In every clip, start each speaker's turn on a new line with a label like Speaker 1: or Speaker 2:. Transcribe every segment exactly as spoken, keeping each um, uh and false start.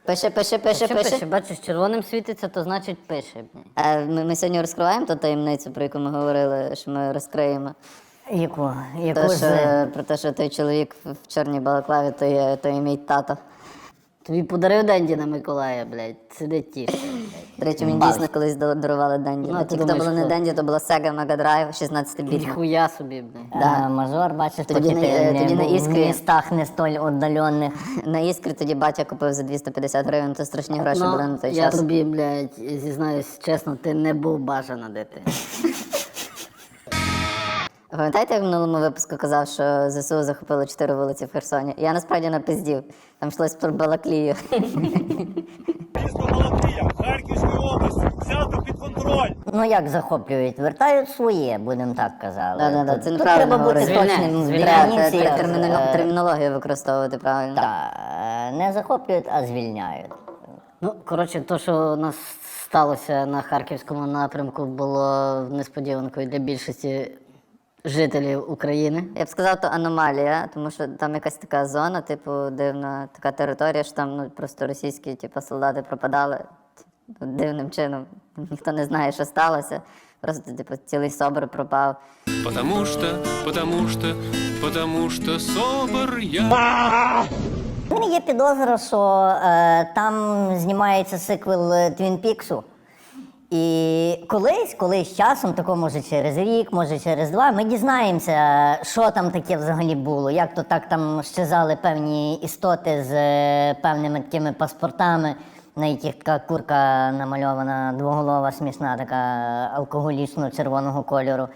Speaker 1: Пише, пише, пише,
Speaker 2: Що
Speaker 1: пише.
Speaker 2: пише? Бачиш, червоним світиться, то значить пише.
Speaker 1: А ми, ми сьогодні розкриваємо ту таємницю, про яку ми говорили, що ми розкриємо.
Speaker 3: Яку? Яку
Speaker 1: То,
Speaker 3: з...
Speaker 1: що, про те, що той чоловік в в чорній балаклаві, то є, то є мій тато.
Speaker 2: Тобі подарив Денді на Миколая, блядь, сидить тіше.
Speaker 1: До речі, мені дійсно колись дал- дарували Денді.
Speaker 2: Ну,
Speaker 1: Ну,
Speaker 2: ти
Speaker 1: ті, хто
Speaker 2: думаєш,
Speaker 1: було не
Speaker 2: хто?
Speaker 1: Денді, то було Sega Mega Drive шістнадцятибітний.
Speaker 2: Ніхуя собі, блядь.
Speaker 3: Да. Мажор, бачиш,
Speaker 1: Тоді
Speaker 3: поки
Speaker 1: на-
Speaker 3: ти
Speaker 1: е,
Speaker 3: не
Speaker 1: тоді на
Speaker 3: був в
Speaker 1: Іскрі.
Speaker 3: містах не столь віддалених.
Speaker 1: На Іскрі тоді батя купив за двісті п'ятдесят гривень, то страшні гроші були на той
Speaker 2: я
Speaker 1: час.
Speaker 2: тобі, блядь, зізнаюсь чесно, ти не був бажана дитина.
Speaker 1: Пам'ятаєте, як в минулому випуску казав, що ЗСУ захопило чотири вулиці в Херсоні? Я насправді напиздів. Там йшлось про Балаклію.
Speaker 4: Місто Балаклія, Харківської області, взято під контроль.
Speaker 3: Ну як захоплюють? Вертають своє, будемо так казати.
Speaker 1: Да-да-да,
Speaker 3: Тут-
Speaker 1: це
Speaker 3: тут
Speaker 1: неправильно
Speaker 3: треба бути
Speaker 1: говорити.
Speaker 3: точним в
Speaker 1: Треба
Speaker 3: дефініціях.
Speaker 1: терміно-
Speaker 3: Е,
Speaker 1: термінологію використовувати правильно.
Speaker 3: та, е, не захоплюють, а звільняють.
Speaker 2: Ну, коротше, то, що у нас сталося на Харківському напрямку, було несподіванкою для більшості жителів України.
Speaker 1: Я б сказав, то аномалія, тому що там якась така зона, типу, дивна така територія, що там ну, просто російські типу, солдати пропадали типу, дивним чином. Ніхто не знає, що сталося. Просто типу, цілий собор пропав.
Speaker 5: Потому что, потому что, потому что собор я.
Speaker 3: У мене є підозра, що е, там знімається сиквел е, Твін Піксу. І колись, колись часом, тако може через рік, може через два, ми дізнаємося, що там таке взагалі було, як то так там щезали певні істоти з е, певними такими паспортами, на яких така курка намальована, двоголова, смішна, така алкоголічно-червоного кольору.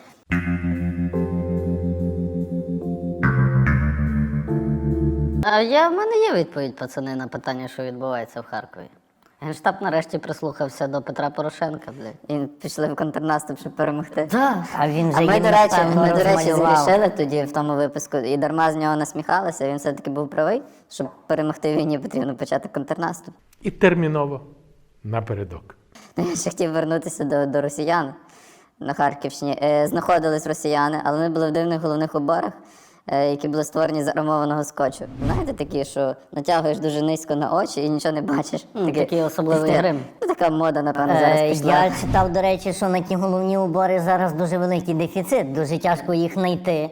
Speaker 2: А я, в мене є відповідь, пацани, на питання, що відбувається в Харкові. Генштаб нарешті прислухався до Петра Порошенка, блядь.
Speaker 1: І пішли в контрнаступ, щоб перемогти.
Speaker 3: А він
Speaker 1: А
Speaker 3: вже
Speaker 1: ми,
Speaker 3: їм,
Speaker 1: до речі,
Speaker 3: напевно,
Speaker 1: ми, до речі,
Speaker 3: розмалював.
Speaker 1: зрішили тоді в тому випуску, і дарма з нього насміхалися, він все-таки був правий, щоб перемогти в війні, потрібно почати контрнаступ.
Speaker 6: І терміново напередок.
Speaker 1: Ну, я ще хотів вернутися до, до росіян на Харківщині. Е, знаходились росіяни, але вони були в дивних головних уборах, е, які були створені з армованого скотчу. Знаєте, такі, що натягуєш дуже низько на очі і нічого не бачиш.
Speaker 2: М, такий особливий
Speaker 1: таке-
Speaker 2: грим.
Speaker 1: Ну, така мода, напевно, зараз
Speaker 3: Е,
Speaker 1: пішла.
Speaker 3: Я читав, до речі, що на ті головні убори зараз дуже великий дефіцит, дуже тяжко їх знайти.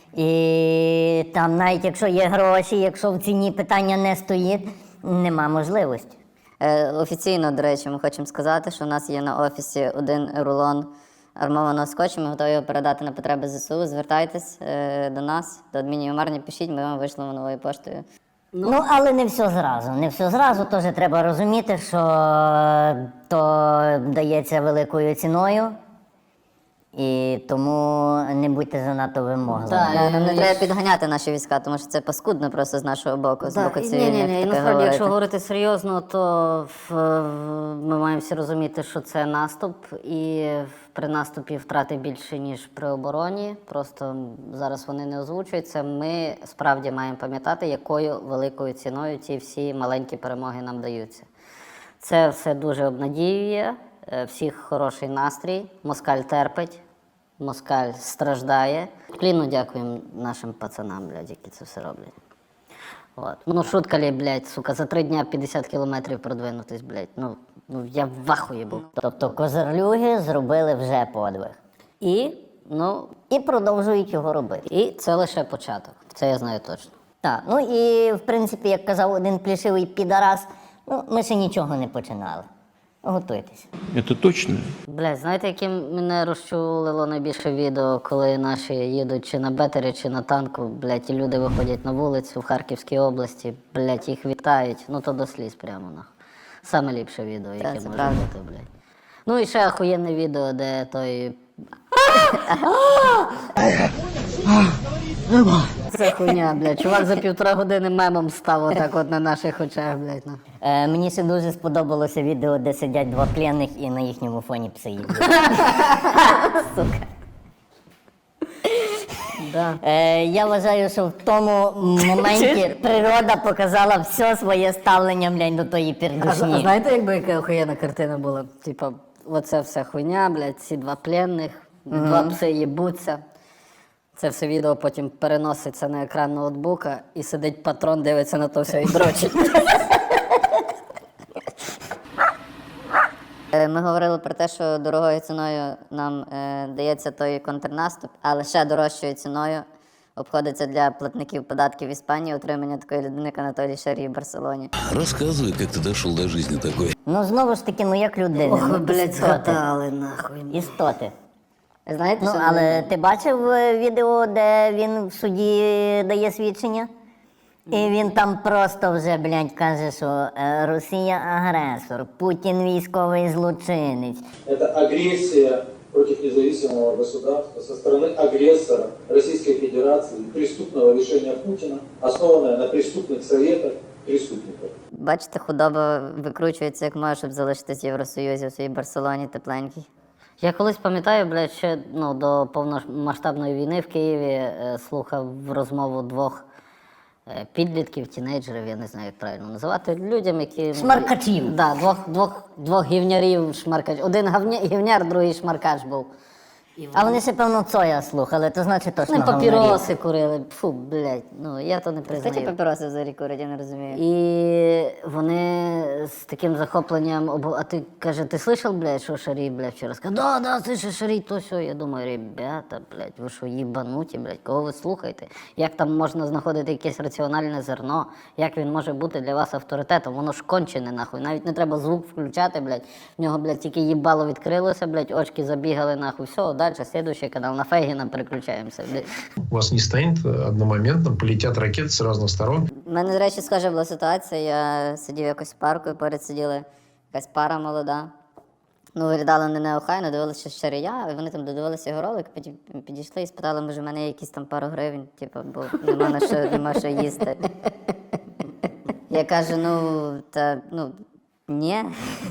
Speaker 3: І там навіть якщо є гроші, якщо в ціні питання не стоїть, нема можливості.
Speaker 1: Е, Офіційно, до речі, ми хочемо сказати, що у нас є на офісі один рулон армованого скотчу. Ми готові його передати на потреби ЗСУ. Звертайтесь е, до нас, до адмінімарні, пишіть, ми вам вийшлемо новою поштою.
Speaker 3: Ну, але не все зразу. Не все зразу, теж треба розуміти, що то дається великою ціною. І тому не будьте занадто вимогливі.
Speaker 2: Так,
Speaker 1: Е, Нам не
Speaker 2: і-
Speaker 1: треба підганяти наші війська, тому що це паскудно просто з нашого боку, з боку
Speaker 2: Ні,
Speaker 1: цивільних.
Speaker 2: ні, ні. І
Speaker 1: таке
Speaker 2: насправді,
Speaker 1: говорити.
Speaker 2: якщо говорити серйозно, то в, в- ми маємо всі розуміти, що це наступ, і при наступі втрати більше, ніж при обороні. Просто зараз вони не озвучуються. Ми справді маємо пам'ятати, якою великою ціною ці всі маленькі перемоги нам даються. Це все дуже обнадіює, е, всіх хороший настрій, москаль терпить. Москаль страждає. Кліну дякуємо нашим пацанам, блядь, які це все роблять. От. Ну, шутка ли, блядь, сука, за три дня п'ятдесят кілометрів продвинутись, блядь. Ну, ну я в ахуї був.
Speaker 3: Тобто козарлюги зробили вже подвиг.
Speaker 2: І, ну,
Speaker 3: І продовжують його робити.
Speaker 2: і це лише початок. Це я знаю точно.
Speaker 3: Так, ну і в принципі, як казав один плішивий підарас, ну ми ще нічого не починали. Готуйтесь.
Speaker 5: Это точно?
Speaker 2: Блядь, знаєте, яким мене розчулило найбільше відео, коли наші їдуть чи на бетері, чи на танку, блядь, і люди виходять на вулицю в Харківській області, блядь, їх вітають, ну то до сліз прямо, нахуй. Саме ліпше відео, яке
Speaker 1: це
Speaker 2: може
Speaker 1: правда.
Speaker 2: бути, блядь. Ну і ще охуєнне відео, де той... Це хуйня, блядь. Чувак за півтора години мемом став отак от на наших очах, блядь. Ну.
Speaker 3: Е, мені ще дуже сподобалося відео, де сидять два пленних і на їхньому фоні пси їдуть. Сука.
Speaker 2: Да.
Speaker 3: Е, я вважаю, що в тому моменті природа показала все своє ставлення, блядь, до тої
Speaker 2: А, а
Speaker 3: пердушні.
Speaker 2: знаєте, якби яка охуєнна картина була? Типа, оце вся хуйня, блядь, ці два пленних, два пси їбуться. Це все відео потім переноситься на екран ноутбука і сидить патрон, дивиться на то все і дрочить.
Speaker 1: Е, Ми говорили про те, що дорогою ціною нам е, дається той контрнаступ, але ще дорожчою ціною обходиться для платників податків Іспанії отримання такої людини, як Анатолій Шарій в Барселоні.
Speaker 7: Рассказывай, как ты дошел до жизни такой.
Speaker 3: Ну знову ж таки, ну як людина.
Speaker 2: Ох, ви,
Speaker 3: ну,
Speaker 2: блядь,
Speaker 3: істоти.
Speaker 2: згадали, нахуй.
Speaker 3: Істоти.
Speaker 1: Знаєте,
Speaker 3: Ну,
Speaker 1: що
Speaker 3: але ти бачив е, відео, де він в суді дає свідчення? І він там просто вже, блядь, каже, що е, Росія агресор, Путін військовий злочинець.
Speaker 8: Это агрессия против независимого государства со стороны агрессора Российской Федерации, преступного решения Путина, основанное на преступных советах преступников.
Speaker 1: бачите, худоба викручується як може, щоб залишитись в Євросоюзі, в своїй Барселоні тепленькій.
Speaker 2: Я колись пам'ятаю, блядь, ще ну, до повномасштабної війни в Києві е, слухав розмову двох е, підлітків, тінейджерів, я не знаю, як правильно називати, людям, які...
Speaker 3: Шмаркачів.
Speaker 2: Да, двох, двох, двох гівнярів шмаркач. Один гавня, гівняр, другий шмаркач був.
Speaker 3: А вони ще, певно, Цоя слухали, то значить точно
Speaker 2: Вони
Speaker 3: говнарі.
Speaker 2: папіроси курили. Фу, блядь, ну я то не
Speaker 1: Хто ті
Speaker 2: признаю.
Speaker 1: папіроси взагалі курять, я не розумію.
Speaker 2: І вони з таким захопленням, обо- а ти, каже, ти слышал, блядь, що Шарій, блядь, вчора сказав? Да, да, слышишь, Шарій, то все. Я думаю, ребята, блядь, ви що, їбануті, блядь, кого ви слухаєте? Як там можна знаходити якесь раціональне зерно? Як він може бути для вас авторитетом? Воно ж кончене, нахуй. Навіть не треба звук включати, блядь. В нього, блядь, тільки їбало відкрилося, блядь, очки забігали, нахуй. Все, далі, слідуючий канал, на Фейгіна переключаємося, блядь.
Speaker 9: У вас не станет одномоментно, полетят ракеты с разных сторон.
Speaker 1: У мене, до речі, схожа була ситуація. Я сидів якось в парку, і поряд сиділи якась пара молода. Ну, виглядали не неохайно, дивилися Шарія, і вони там додивилися його ролик, потім підійшли і спитали, може, в мене є якісь там пару гривень, типу, бо нема на що, нема що їсти. Я кажу, ну, та, ну, ні.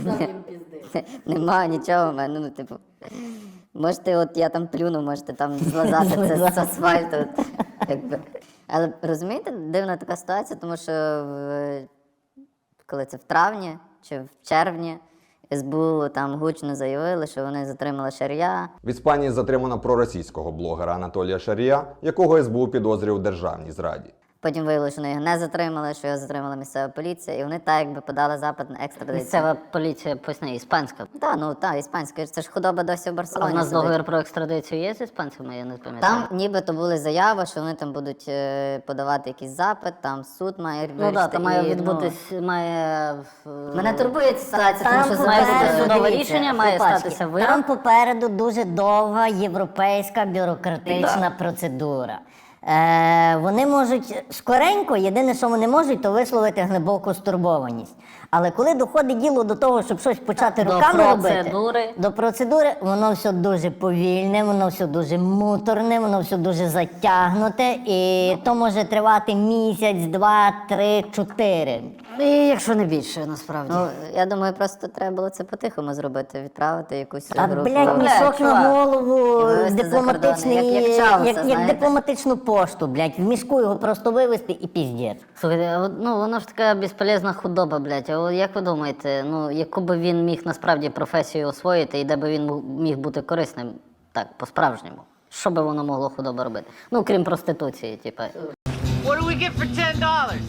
Speaker 1: Нема нічого в мене, ну, типу. Можете, от я там плюну, можете там злазати це з асфальту. от, якби. Але розумієте, дивна така ситуація, тому що в, коли це в травні чи в червні ес бе у там гучно заявили, що вони затримали Шарія.
Speaker 10: В Іспанії затримано проросійського блогера Анатолія Шарія, якого ес бе у підозрює у державній зраді.
Speaker 1: Потім виявилося, що вони його не затримали, що його затримала місцева поліція, і вони так якби подали запит на екстрадицію.
Speaker 2: Місцева поліція, поясни, іспанська.
Speaker 1: Так, ну так, іспанська, це ж худоба досі в
Speaker 2: А
Speaker 1: Барселоні.
Speaker 2: у нас
Speaker 1: сидить.
Speaker 2: договір про екстрадицію є з іспанцями, я не пам'ятаю.
Speaker 1: Там нібито були заяви, що вони там будуть е, подавати якийсь запит, там суд має
Speaker 2: Ну так,
Speaker 1: вирішити.
Speaker 2: там має
Speaker 1: і, ну,
Speaker 2: відбутись, має... в-
Speaker 1: Мене турбує ця ситуація, тому
Speaker 3: Там
Speaker 1: що
Speaker 2: має
Speaker 1: зараз
Speaker 2: бути
Speaker 3: попереду,
Speaker 2: судове
Speaker 3: дивіться,
Speaker 2: рішення, має
Speaker 3: хлопачки,
Speaker 2: статися вирок.
Speaker 3: Там попереду дуже довга європейська бюрократична процедура. Е, вони можуть скоренько, єдине, що вони можуть, то висловити глибоку стурбованість. Але коли доходить діло до того, щоб щось почати
Speaker 2: До
Speaker 3: руками
Speaker 2: процедури.
Speaker 3: робити, до процедури, воно все дуже повільне, воно все дуже муторне, воно все дуже затягнуте, і то може тривати місяць, два, три, чотири.
Speaker 2: І якщо не більше, насправді.
Speaker 1: Ну, я думаю, просто треба було це по-тихому зробити, відправити якусь
Speaker 3: А,
Speaker 1: групу.
Speaker 3: блядь, мішок на
Speaker 2: чувак.
Speaker 3: голову,
Speaker 1: І вивезти за
Speaker 3: дипломатичний,
Speaker 1: кордон, як- як Чауса,
Speaker 3: як, як
Speaker 1: знаєте.
Speaker 3: дипломатичну пошту, блядь, в мішку його просто вивезти і піздець.
Speaker 2: Слухайте, а от, ну воно ж така безполезна худоба, блядь. А от як ви думаєте, ну яку би він міг насправді професію освоїти і де би він мог- міг бути корисним, так, по-справжньому? Що би воно могло худоба робити? Ну, крім проституції, типа.
Speaker 11: What do we get for ten dollars?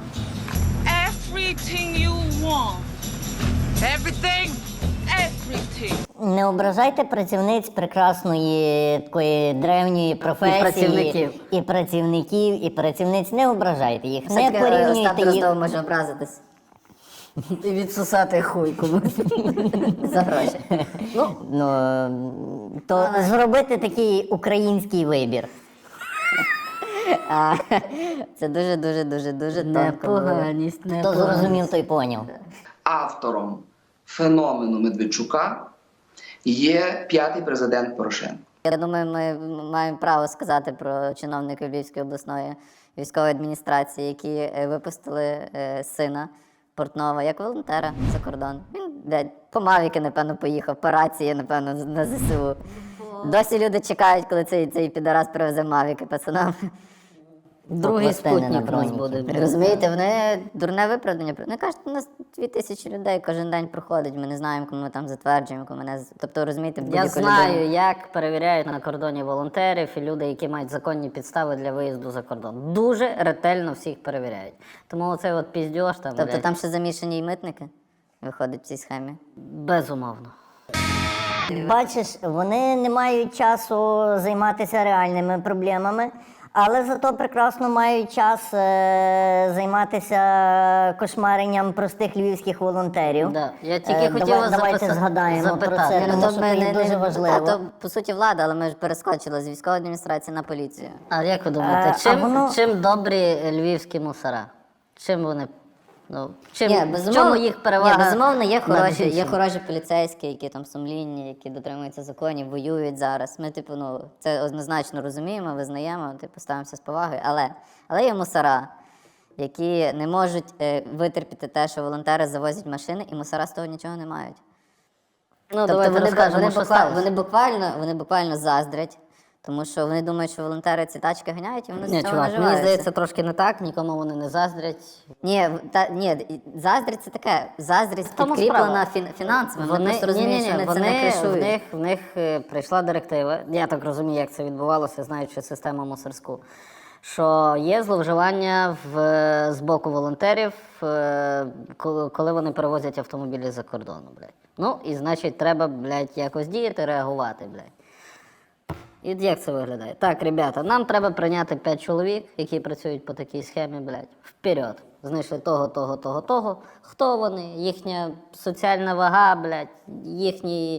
Speaker 11: Everything you want. Everything, everything.
Speaker 3: Не ображайте працівниць прекрасної такої древньої професії.
Speaker 2: працівників.
Speaker 3: І працівників, і працівниць. Не ображайте їх, не
Speaker 1: Все-таки Остап
Speaker 3: порівнюйте їх.
Speaker 1: Дроздов може образитись
Speaker 2: І відсусати хуй комусь.
Speaker 1: за гроші.
Speaker 3: Ну, то зробити такий український вибір.
Speaker 1: А, це дуже-дуже-дуже-дуже тонко. було.
Speaker 2: Непоганість,
Speaker 3: Хто
Speaker 2: непоганість.
Speaker 3: зрозумів, той поняв.
Speaker 12: Автором феномену Медведчука є п'ятий президент Порошенко.
Speaker 1: Я думаю, ми маємо право сказати про чиновників Львівської обласної військової адміністрації, які е, випустили е, сина Портнова як волонтера за кордон. Він, блядь, по Мавіки, напевно, поїхав, по рації, напевно, на зе се у. Досі люди чекають, коли цей, цей підарас привезе Мавіки пацанам.
Speaker 2: Другий
Speaker 3: Пластини на
Speaker 2: спутник у нас
Speaker 3: броніки.
Speaker 2: буде.
Speaker 1: Розумієте, вони дурне виправдання. Вони кажуть, у нас дві тисячі людей кожен день проходить, ми не знаємо, кому ми там затверджуємо, кому не... з- Тобто, розумієте, в
Speaker 2: Я
Speaker 1: будь-яку
Speaker 2: знаю,
Speaker 1: людину.
Speaker 2: як перевіряють на кордоні волонтерів і люди, які мають законні підстави для виїзду за кордон. Дуже ретельно всіх перевіряють. Тому оцей от піздьош там.
Speaker 1: Тобто
Speaker 2: блядь,
Speaker 1: там ще замішані і митники? виходить в цій схемі?
Speaker 2: Безумовно.
Speaker 3: Бачиш, вони не мають часу займатися реальними проблемами, але зато прекрасно мають час е, займатися кошмаренням простих львівських волонтерів.
Speaker 2: Да. Я тільки
Speaker 3: Е,
Speaker 2: хотіла
Speaker 3: давай- Давайте
Speaker 2: записа-
Speaker 3: згадаємо про
Speaker 2: запитати.
Speaker 3: це,
Speaker 2: Ну,
Speaker 3: тому
Speaker 1: то
Speaker 3: що
Speaker 1: ми
Speaker 3: це
Speaker 1: не-
Speaker 3: є
Speaker 1: не-
Speaker 3: дуже важливо.
Speaker 1: Та то, по суті, влада, але ми ж перескочили з військової адміністрації на поліцію.
Speaker 2: А як ви думаєте,
Speaker 3: Е, а
Speaker 2: чим,
Speaker 3: воно-
Speaker 2: чим добрі львівські мусора? Чим вони? Ну, чим,
Speaker 1: Ні,
Speaker 2: в
Speaker 1: безумовно,
Speaker 2: чому їх перевага?
Speaker 1: Ні, безумовно, є
Speaker 2: над
Speaker 1: хороші, є
Speaker 2: іншими?
Speaker 1: хороші поліцейські, які там сумлінні, які дотримуються законів, воюють зараз. Ми, типу, ну, це однозначно розуміємо, визнаємо, типу, ставимося з повагою. Але, але є мусора, які не можуть е, витерпіти те, що волонтери завозять машини, і мусора з того нічого не мають.
Speaker 2: Ну,
Speaker 1: Тобто
Speaker 2: давайте
Speaker 1: вони,
Speaker 2: розкажемо,
Speaker 1: вони,
Speaker 2: що
Speaker 1: буква-
Speaker 2: сталося.
Speaker 1: вони, буквально, вони буквально заздрять, тому що вони думають, що волонтери ці тачки ганяють, і вони
Speaker 2: Ні,
Speaker 1: з цього
Speaker 2: чувак, мені
Speaker 1: наживаються.
Speaker 2: здається, трошки не так, нікому вони не заздрять.
Speaker 1: Ні, в- та, ні, заздрість це таке. Заздрість
Speaker 2: тому
Speaker 1: підкріплена
Speaker 2: справа.
Speaker 1: фін, фінансами. Вони, просто розуміють,
Speaker 2: ні-ні-ні,
Speaker 1: що вони,
Speaker 2: вони,
Speaker 1: це не
Speaker 2: в
Speaker 1: кришують.
Speaker 2: них, в них е, прийшла директива, я так розумію, як це відбувалося, знаючи систему мусорську, що є зловживання в, з боку волонтерів, е, коли, коли вони перевозять автомобілі за кордону, блядь. Ну, і значить, треба, блядь, якось діяти, реагувати, блядь. І як це виглядає? Так, ребята, нам треба прийняти п'ять чоловік, які працюють по такій схемі, блядь, вперед. Знайшли того, того, того, того. Хто вони? Їхня соціальна вага, блядь, їхні,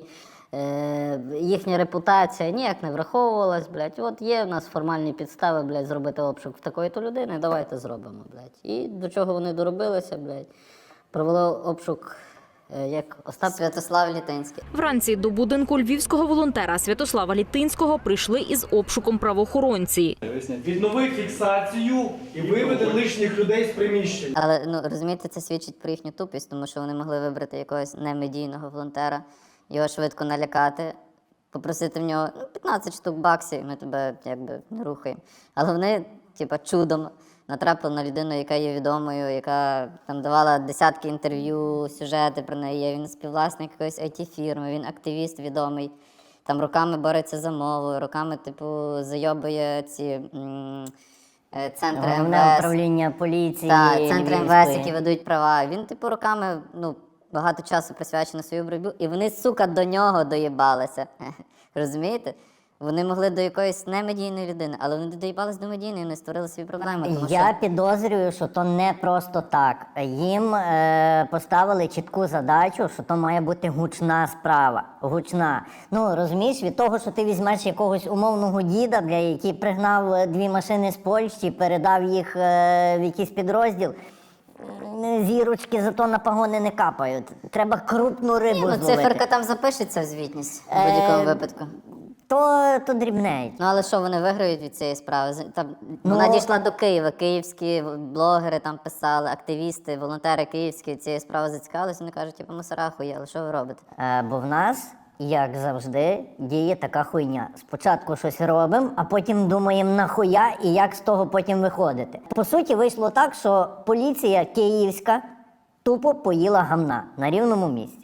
Speaker 2: е, їхня репутація ніяк не враховувалась, блядь. От є в нас формальні підстави, блядь, зробити обшук в такої-то людини, давайте зробимо, блядь. І до чого вони доробилися, блядь. Провели обшук, е, як Остап
Speaker 1: Святослав Літинський.
Speaker 13: Вранці до будинку львівського волонтера Святослава Літинського прийшли із обшуком правоохоронці.
Speaker 4: Віднови фіксацію і виведи лишніх людей з приміщення.
Speaker 1: Але ну розумієте, це свідчить про їхню тупість, тому що вони могли вибрати якогось немедійного волонтера, його швидко налякати, попросити в нього ну, п'ятнадцять штук баксів, ми тебе якби не рухаємо. Але вони, типа, чудом натрапили на людину, яка є відомою, яка там давала десятки інтерв'ю, сюжети про неї. Є. Він співвласник якоїсь ай ті-фірми, він активіст відомий. Там роками бореться за мову, роками, типу, зайобує ці м, е, центри
Speaker 3: Головне
Speaker 1: ем ве ес.
Speaker 3: управління поліції.
Speaker 1: Так, центри ем ве ес,
Speaker 3: Львівської.
Speaker 1: які ведуть права. Він, типу, роками, ну, багато часу присвячено свою боротьбу, і вони, сука, до нього доїбалися. Розумієте? Вони могли до якоїсь немедійної людини, але вони доїбались до медійної, вони створили свої проблеми. Тому
Speaker 3: Я
Speaker 1: що...
Speaker 3: підозрюю, що то не просто так. Їм е, поставили чітку задачу, що то має бути гучна справа. Гучна. Ну, розумієш, від того, що ти візьмеш якогось умовного діда, бля, який пригнав е, дві машини з Польщі, передав їх е, в якийсь підрозділ, м, зірочки зато на погони не капають. Треба крупну рибу
Speaker 1: Ні, ну,
Speaker 3: зловити.
Speaker 1: циферка там запишеться в звітність в будь-якому
Speaker 3: Е,
Speaker 1: випадку.
Speaker 3: То, то дрібнеють.
Speaker 1: Ну, але що, вони виграють від цієї справи? З- Там,
Speaker 3: Ну,
Speaker 1: вона дійшла до Києва, київські блогери там писали, активісти, волонтери київські цією справою зацікавилися, вони кажуть, типу, мусора хуєли, що ви робите?
Speaker 3: Е, бо в нас, як завжди, діє така хуйня. Спочатку щось робимо, а потім думаємо нахуя і як з того потім виходити. По суті, вийшло так, що поліція київська тупо поїла гамна на рівному місці.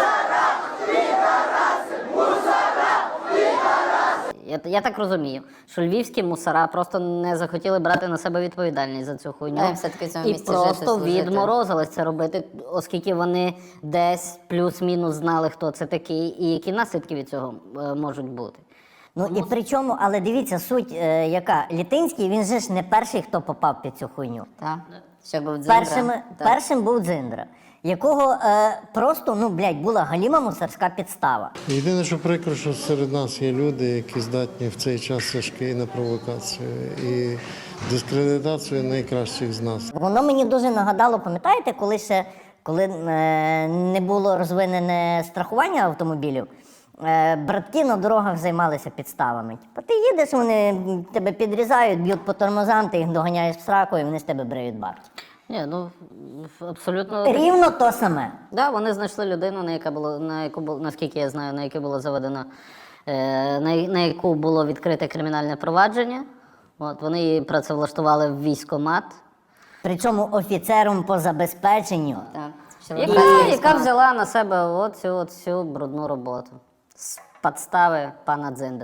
Speaker 2: Я, я так розумію, що львівські мусора просто не захотіли брати на себе відповідальність за цю хуйню.
Speaker 1: А їм все-таки в цьому
Speaker 2: і
Speaker 1: місці жити,
Speaker 2: просто
Speaker 1: служити.
Speaker 2: відморозились це робити, оскільки вони десь плюс-мінус знали, хто це такий, і які наслідки від цього е, можуть бути.
Speaker 3: Ну і причому, але дивіться, суть е, яка. Літинський, він же ж не перший, хто попав під цю хуйню.
Speaker 1: Так? Ще був Дзиндра.
Speaker 3: Першим,
Speaker 1: Так.
Speaker 3: першим був Дзиндра, якого е, просто, ну, блядь, була галіма мусорська підстава.
Speaker 14: Єдине, що прикро, що серед нас є люди, які здатні в цей час тяжкий на провокацію і дискредитацію найкращих з нас.
Speaker 3: Воно мені дуже нагадало, пам'ятаєте, коли ще коли е, не було розвинене страхування автомобілів, е, братки на дорогах займалися підставами. Типа ти їдеш, вони тебе підрізають, б'ють по тормозам, ти їх доганяєш в сраку і вони з тебе бриють бабки.
Speaker 2: Ні, ну абсолютно
Speaker 3: Рівно то саме.
Speaker 2: Да, вони знайшли людину, на яка було на яку було, наскільки я знаю, на яку було заведено, е, на, на яку було відкрите кримінальне провадження. От вони її працевлаштували в військкомат.
Speaker 3: Причому офіцером по забезпеченню.
Speaker 1: Так.
Speaker 2: Яка, яка взяла на себе оцю, оцю брудну роботу з підстави пана Дзиндри.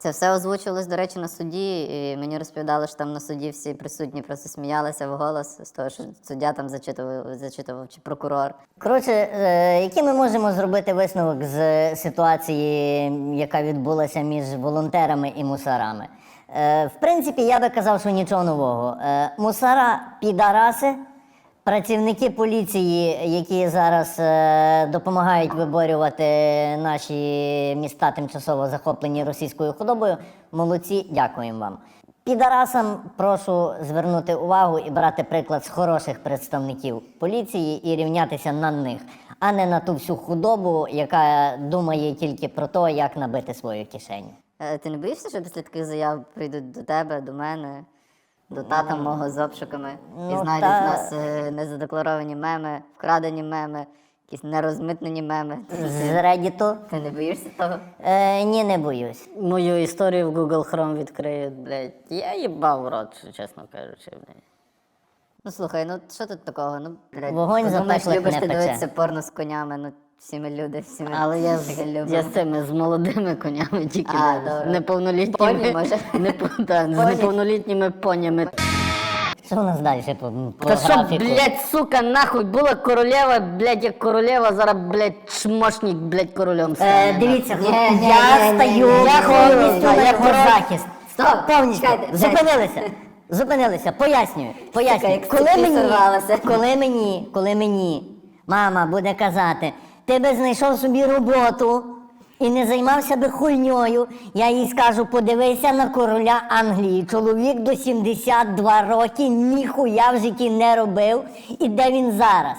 Speaker 1: Це все озвучувалось, до речі, на суді, і мені розповідали, що там на суді всі присутні просто сміялися вголос з того, що суддя там зачитував, зачитував чи прокурор.
Speaker 3: Коротше, е, який ми можемо зробити висновок з ситуації, яка відбулася між волонтерами і мусорами? Е, в принципі, я би казав, що нічого нового. Е, мусора – підараси, працівники поліції, які зараз е, допомагають виборювати наші міста, тимчасово захоплені російською худобою, молодці, дякуємо вам. Підарасам прошу звернути увагу і брати приклад з хороших представників поліції і рівнятися на них, а не на ту всю худобу, яка думає тільки про те, як набити свою кишеню.
Speaker 1: Е, Ти не боїшся, що після таких заяв прийдуть до тебе, до мене, до тата мого з обшуками і
Speaker 3: Ну,
Speaker 1: знайдуть
Speaker 3: та-
Speaker 1: в нас е, незадекларовані меми, вкрадені меми, якісь нерозмитнені меми?
Speaker 3: З Reddit.
Speaker 1: Ти не боїшся того?
Speaker 3: Е, ні, не боюсь.
Speaker 2: Мою історію в Google Chrome відкриють, блядь. Я їбав в рот, чесно кажучи, блядь.
Speaker 1: Ну слухай, ну що тут такого? Ну, блядь,
Speaker 3: Вогонь
Speaker 1: ти думаєш,
Speaker 3: запеклих
Speaker 1: любиш
Speaker 3: не
Speaker 1: ти
Speaker 3: пече.
Speaker 1: дивитися порно з конями, ну всі ми люди, всі ми
Speaker 2: Але я,
Speaker 1: таке
Speaker 2: з,
Speaker 1: любимо.
Speaker 2: я з цими, з молодими конями, тільки
Speaker 1: А,
Speaker 2: не-
Speaker 1: добре.
Speaker 2: неповнолітніми.
Speaker 1: Поні, може?
Speaker 2: Не, по- та, з
Speaker 1: Поні.
Speaker 2: неповнолітніми понями.
Speaker 3: Що у нас далі по, по
Speaker 2: Та що,
Speaker 3: графіку?
Speaker 2: блядь, сука, нахуй, була королева, блядь, як королева, зараз, блядь, шмошник, блядь, королем стане.
Speaker 3: Е, дивіться,
Speaker 1: Ні,
Speaker 3: хлопці,
Speaker 1: ні,
Speaker 3: я
Speaker 1: ні,
Speaker 3: стаю
Speaker 1: ні, ні,
Speaker 3: я
Speaker 1: ні,
Speaker 3: повністю
Speaker 1: ні,
Speaker 3: на
Speaker 1: ні,
Speaker 3: його
Speaker 1: ні,
Speaker 3: захист.
Speaker 1: Стоп,
Speaker 3: Повністю.
Speaker 1: чекайте,
Speaker 3: Зупинилися. Зупинилися. Пояснюю. Пояснюю.
Speaker 1: як
Speaker 3: Коли
Speaker 1: стільки
Speaker 3: мені,
Speaker 1: сорвалося.
Speaker 3: коли мені, коли мені мама буде казати, ти би знайшов собі роботу і не займався би хуйньою, я їй скажу, подивися на короля Англії. Чоловік до сімдесят два роки ніхуя в житті не робив. І де він зараз?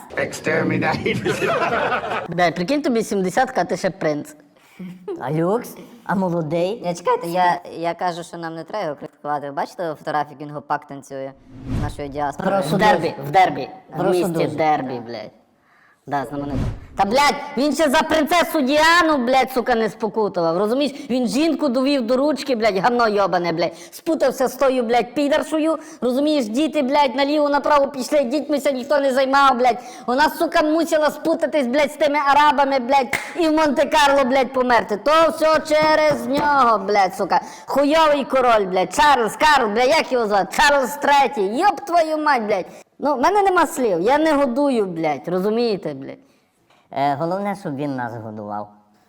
Speaker 2: Блядь, прикинь, тобі сімдесятка, а ти ще принц.
Speaker 3: А люкс? А молодий?
Speaker 1: Я чекайте, я, я кажу, що нам не треба його критикувати. Ви бачите фотографію, як він гопак танцює з нашої діаспори?
Speaker 3: Прошу
Speaker 2: В дербі, в дербі, в
Speaker 3: Прошу
Speaker 2: місті
Speaker 3: дуже.
Speaker 2: дербі, блядь. Да, знаменито. Та, блядь, він ще за принцесу Діану, блядь, сука, не спокутував, розумієш? Він жінку довів до ручки, блядь, гамно йобане, блядь. Спутався з тою, блядь, підаршою, розумієш? Діти, блядь, наліво-направо пішли, дітьмися ніхто не займав, блядь. Вона, сука, мусила спутатись, блядь, з тими арабами, блядь, і в Монте-Карло, блядь, померти. То все через нього, блядь, сука. Хуйовий король, блядь, Чарльз, Карл, блядь, як його звати? Чарльз третій, йоб твою мать, блядь. Ну, в мене нема слів, я не годую, блядь, розумієте, блядь?
Speaker 3: Е, головне, щоб він нас годував.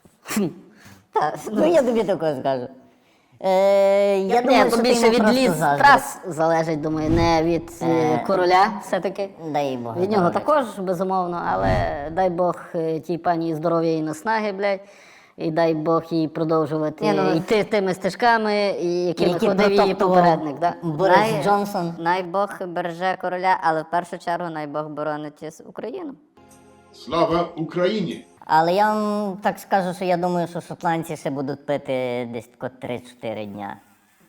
Speaker 3: Ну, я тобі такого скажу. Е, я
Speaker 2: Ні,
Speaker 3: думаю,
Speaker 2: то
Speaker 3: що ти
Speaker 2: більше
Speaker 3: йому
Speaker 2: від
Speaker 3: просто
Speaker 2: ліс
Speaker 3: заздриш.
Speaker 2: трас залежить, думаю, не від е,
Speaker 3: Е,
Speaker 2: короля все-таки.
Speaker 3: Дай Бог.
Speaker 2: Від нього
Speaker 3: здоров'я.
Speaker 2: також, безумовно, але дай Бог е, тій пані здоров'я і наснаги, блядь. І дай Бог їй продовжувати
Speaker 1: Ні, ну,
Speaker 2: йти тими стежками, і якими
Speaker 3: Які
Speaker 2: ходив її
Speaker 3: протоптував
Speaker 2: попередник. Да?
Speaker 3: Борис
Speaker 1: Най-
Speaker 3: Джонсон.
Speaker 1: Най Бог береже короля, але в першу чергу най Бог боронить із Україну.
Speaker 15: Слава Україні!
Speaker 3: Але я вам так скажу, що я думаю, що шотландці ще будуть пити десь тако три-чотири дня.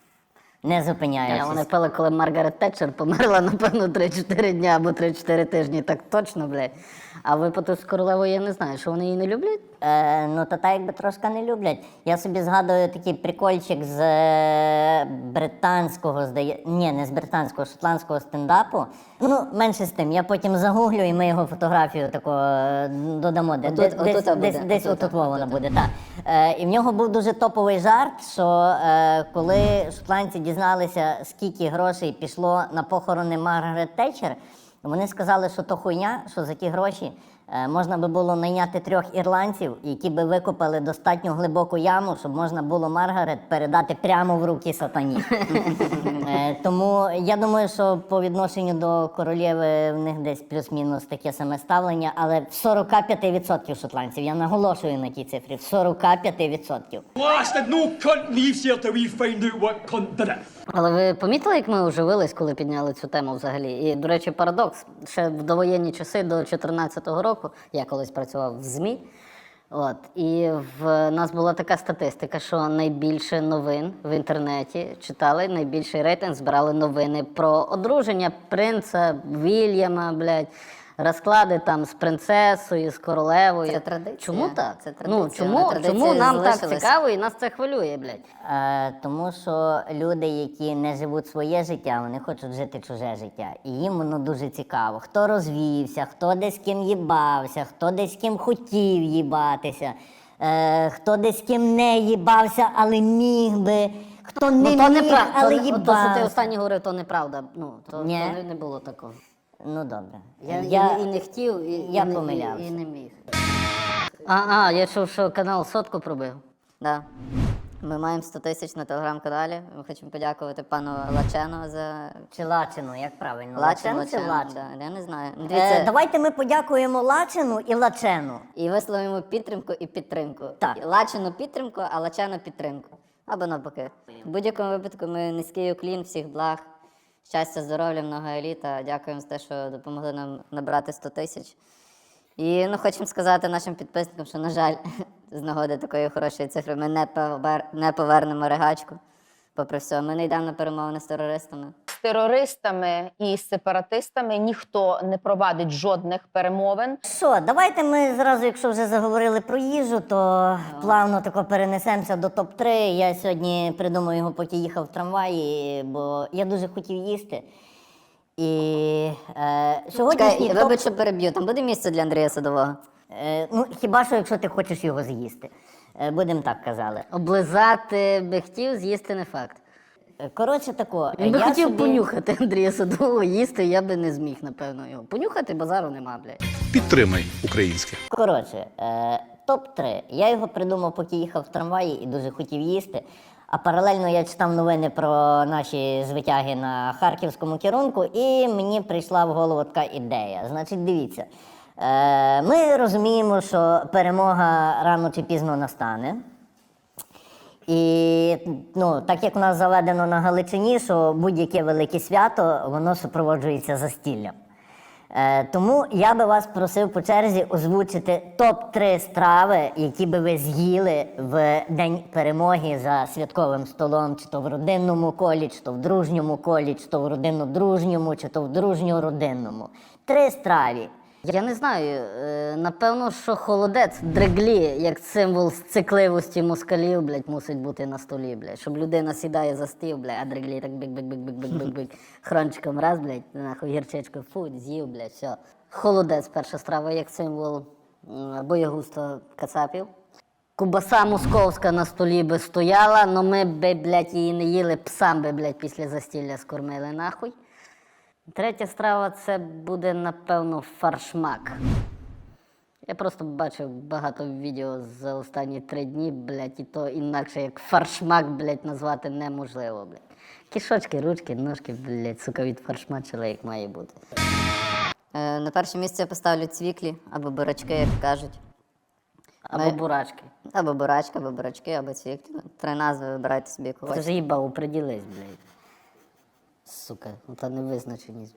Speaker 3: Не
Speaker 2: Ні,
Speaker 3: зупиняючись.
Speaker 2: Вони пили, коли Маргарет Тетчер померла, напевно, три-чотири дня або три-чотири тижні, так точно, блядь. А випадок з королевою я не знаю, що вони її не люблять?
Speaker 3: Е, ну, та так якби трошки не люблять. Я собі згадую такий прикольчик з е, британського, здає... Ні, не з британського, шотландського стендапу. Ну, менше з тим, я потім загуглю і ми його фотографію тако е, додамо. Де,
Speaker 1: Отут-
Speaker 3: десь
Speaker 1: отут
Speaker 3: десь,
Speaker 1: буде,
Speaker 3: десь, десь
Speaker 1: отут,
Speaker 3: отут вона буде, так. Е, і в нього був дуже топовий жарт, що е, коли шотландці дізналися, скільки грошей пішло на похорони Маргарет Тетчер, вони сказали, що то хуйня, що за ті гроші е, можна би було найняти трьох ірландців, які би викопали достатньо глибоку яму, щоб можна було Маргарет передати прямо в руки сатані. Е, тому я думаю, що по відношенню до королєви в них десь плюс-мінус таке саме ставлення, але в сорок п'ять відсотків шотландців, я наголошую на тій цифрі, в сорок п'ять відсотків.
Speaker 4: Blasted, no cunt leaves here till we find out what cunt did it.
Speaker 2: Але ви помітили, як ми оживились, коли підняли цю тему взагалі? І, до речі, парадокс. Ще в довоєнні часи, до чотирнадцятого року, я колись працював в ЗМІ, от, і в нас була така статистика, що найбільше новин в інтернеті читали, найбільший рейтинг збирали новини про одруження принца Вільяма, блядь, розклади там з принцесою, з королевою.
Speaker 1: Це традиція.
Speaker 2: Чому так?
Speaker 1: Це традиція,
Speaker 2: Ну, чому,
Speaker 1: вона традиція
Speaker 2: чому нам так
Speaker 1: залишилась.
Speaker 2: цікаво і нас це хвилює, блядь?
Speaker 3: Е, тому що люди, які не живуть своє життя, вони хочуть жити чуже життя. І їм воно дуже цікаво. Хто розвівся, хто десь з ким їбався, хто десь з ким хотів їбатися. е, хто десь з ким не їбався, але міг би, хто не
Speaker 2: Ну, то
Speaker 3: міг,
Speaker 2: неправда.
Speaker 3: але
Speaker 2: То, то, що ти
Speaker 3: їбався.
Speaker 2: останнє говорив, то неправда. Ну, то,
Speaker 3: Ні.
Speaker 2: то не, не було такого.
Speaker 3: Ну, добре.
Speaker 2: Я,
Speaker 3: Я-
Speaker 2: і, і не хотів, і,
Speaker 3: я
Speaker 2: і, не-
Speaker 3: помилявся.
Speaker 2: і, і не міг. А, а, я чув, що канал сотку пробив.
Speaker 1: Да. Ми маємо сто тисяч на телеграм-каналі. Ми хочемо подякувати пану Лачену за
Speaker 3: Чи Лачину, як правильно?
Speaker 1: Лачен,
Speaker 3: Лачен чи Лачен?
Speaker 1: Да, я не знаю. Ну,
Speaker 3: Е,
Speaker 1: дивіться,
Speaker 3: давайте ми подякуємо Лачину і Лачену.
Speaker 1: і висловимо підтримку і підтримку.
Speaker 3: Так.
Speaker 1: Лачену підтримку, а Лачену підтримку. Або навпаки. В будь-якому випадку ми низький уклін, всіх благ, щастя, здоров'я, много еліта. Дякуємо за те, що допомогли нам набрати сто тисяч. І ну, хочемо сказати нашим підписникам, що, на жаль, з нагоди такої хорошої цифри ми не, повер... не повернемо ригачку. Попри все, ми не йдемо на перемовини з терористами.
Speaker 16: З терористами і з сепаратистами ніхто не провадить жодних перемовин.
Speaker 3: Що, давайте ми зразу, якщо вже заговорили про їжу, то плавно тако перенесемося до топ три. Я сьогодні придумав його, поки їхав в трамваї, бо я дуже хотів їсти. І е, сьогоднішній
Speaker 1: Чекай,
Speaker 3: топ...
Speaker 1: вибач, що переб'ю, там буде місце для Андрія Садового?
Speaker 3: Е, ну, хіба що, якщо ти хочеш його з'їсти. Е, будемо так казали.
Speaker 2: Облизати би хотів, з'їсти не факт.
Speaker 3: Е, Коротше тако,
Speaker 2: Він би
Speaker 3: я
Speaker 2: хотів
Speaker 3: собі...
Speaker 2: понюхати Андрія Садового, їсти, я би не зміг, напевно, його. Понюхати базару нема, блядь.
Speaker 7: Підтримай українське.
Speaker 3: Коротше, е, топ три. Я його придумав, поки їхав в трамваї і дуже хотів їсти. А паралельно я читав новини про наші звитяги на харківському керунку, і мені прийшла в голову така ідея. Значить, дивіться, е, ми розуміємо, що перемога рано чи пізно настане. І ну, так як у нас заведено на Галичині, що будь-яке велике свято, воно супроводжується застіллям. Е, тому я би вас просив по черзі озвучити топ три страви, які би ви з'їли в День перемоги за святковим столом, чи то в родинному колі, чи то в дружньому колі, чи то в родинно-дружньому, чи то в дружньо-родинному. Три страви.
Speaker 2: Я не знаю, е, напевно, що холодець, дреглі, як символ цикливості москалів, блядь, мусить бути на столі, блядь. Щоб людина сідає за стіл, блядь, а дреглі так бик-бик-бик-бик-бик-бик-бик, хрончиком раз, блядь, нахуй гірчичку, фу, з'їв, блядь, все. Холодець, перша страва, як символ м, боягузтва кацапів. Кубаса московська на столі би стояла, но ми би, блядь, її не їли, псам би, блядь, після застілля скормили, нахуй. Третя страва – це буде, напевно, фаршмак. Я просто бачив багато відео за останні три дні, блядь, і то інакше як фаршмак, блядь, назвати неможливо, блядь. Кишочки, ручки, ножки, блядь, сука, від фаршмачила, як має бути.
Speaker 1: Е, на перше місце я поставлю цвіклі, або бурачки, як кажуть.
Speaker 2: Або
Speaker 1: Ми-
Speaker 2: бурачки.
Speaker 1: Або бурачки, або бурачки, або цвіклі. Ну, три назви, вибирайте собі
Speaker 2: Ти
Speaker 1: когось.
Speaker 2: вже їбав, оприділись, блядь. Сука, ну та невизначеність.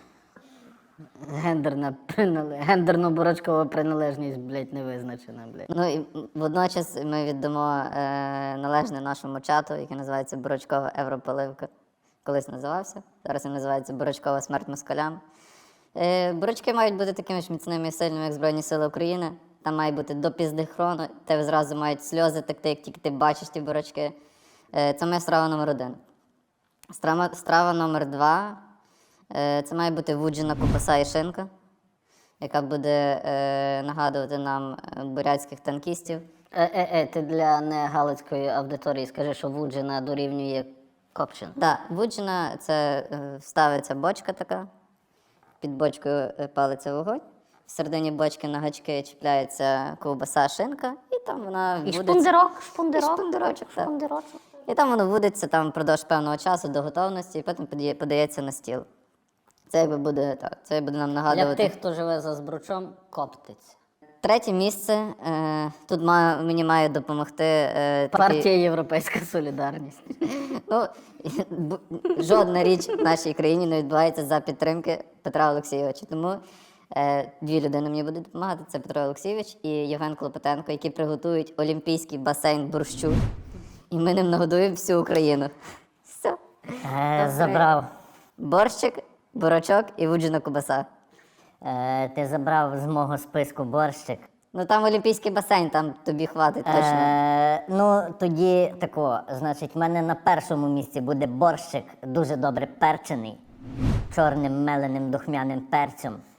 Speaker 2: Гендерна принале... Гендерно-бурачкова приналежність, блядь, не визначена, блядь.
Speaker 1: Ну і водночас ми віддамо е, належне нашому чату, який називається Бурачкова Европоливка. Колись називався. Зараз він називається Бурачкова смерть москалям. Е, бурачки мають бути такими ж міцними і сильними, як Збройні Сили України. Там має бути до пізди хрону, тебе зразу мають сльози текти, як тільки ти бачиш ті бурачки. Е, це моя страва номер один. Страва, страва номер два. Е, це має бути вуджена ковбаса і шинка, яка буде е, нагадувати нам е, бурятських танкістів.
Speaker 2: Е-е-е, ти для негалицької аудиторії скажи, що вуджена дорівнює копчена.
Speaker 1: Так, да, вуджена – це е, ставиться бочка така, під бочкою е, палиться вогонь, в середині бочки на гачки чіпляється ковбаса, шинка, і там вона
Speaker 2: І
Speaker 1: вудиться.
Speaker 2: шпундирок, шпундирок,
Speaker 1: І шпундирочок, так.
Speaker 2: шпундирочок.
Speaker 1: І там воно вудиться там впродовж певного часу до готовності, і потім подає- подається на стіл. Це якби буде так, це буде нам
Speaker 2: Для
Speaker 1: нагадувати.
Speaker 2: тих, хто живе за Збручом, коптиться.
Speaker 1: Третє місце. Е, тут має, мені має допомогти е, такий-
Speaker 2: Партія Європейська Солідарність.
Speaker 1: Ну, бу- жодна річ в нашій країні не відбувається за підтримки Петра Олексійовича. Тому е, дві людини мені будуть допомагати. Це Петро Олексійович і Євген Клопотенко, які приготують олімпійський басейн борщу. І ми ним нагодуємо всю Україну. Все.
Speaker 3: Е, забрав.
Speaker 1: Борщик, бурачок і вуджена кубаса.
Speaker 3: Е, ти забрав з мого списку борщик.
Speaker 1: Ну там олімпійський басейн, там тобі хватить точно.
Speaker 3: Е, ну, тоді тако, значить, в мене на першому місці буде борщик, дуже добре перчений, чорним меленим духмяним перцем.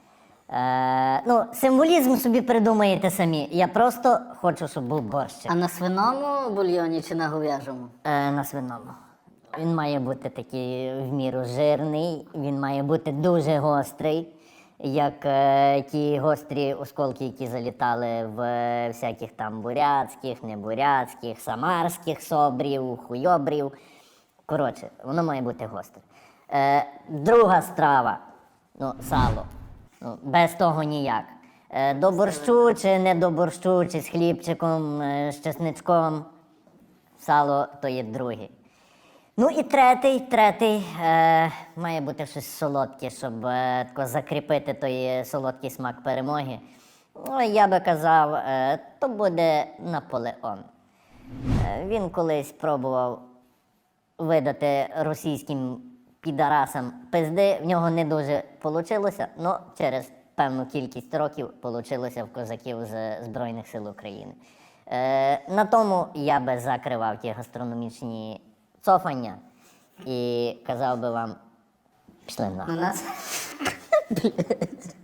Speaker 3: Е, ну, символізм собі придумаєте самі. Я просто хочу, щоб був борщик.
Speaker 2: А на свиному бульйоні чи на говяжому?
Speaker 3: Е, на свиному. Він має бути такий в міру жирний, він має бути дуже гострий, як е, ті гострі осколки, які залітали в е, всяких там бурятських, небурятських, самарських собрів, хуйобрів. Коротше, воно має бути гостре. Е, друга страва, ну, сало. Ну, без того ніяк. Е, до борщу чи не до борщу, чи з хлібчиком, е, з чесничком. Сало то є другий. Ну і третій, третій е, має бути щось солодке, щоб е, тако закріпити той солодкий смак перемоги. Ну, я би казав, е, то буде Наполеон. Е, він колись пробував видати російським підарасам пизди, в нього не дуже вийшло, але через певну кількість років вийшло в козаків з Збройних сил України. Е, на тому я би закривав ті гастрономічні цофання і казав би вам, пішли нахуй.
Speaker 1: У нас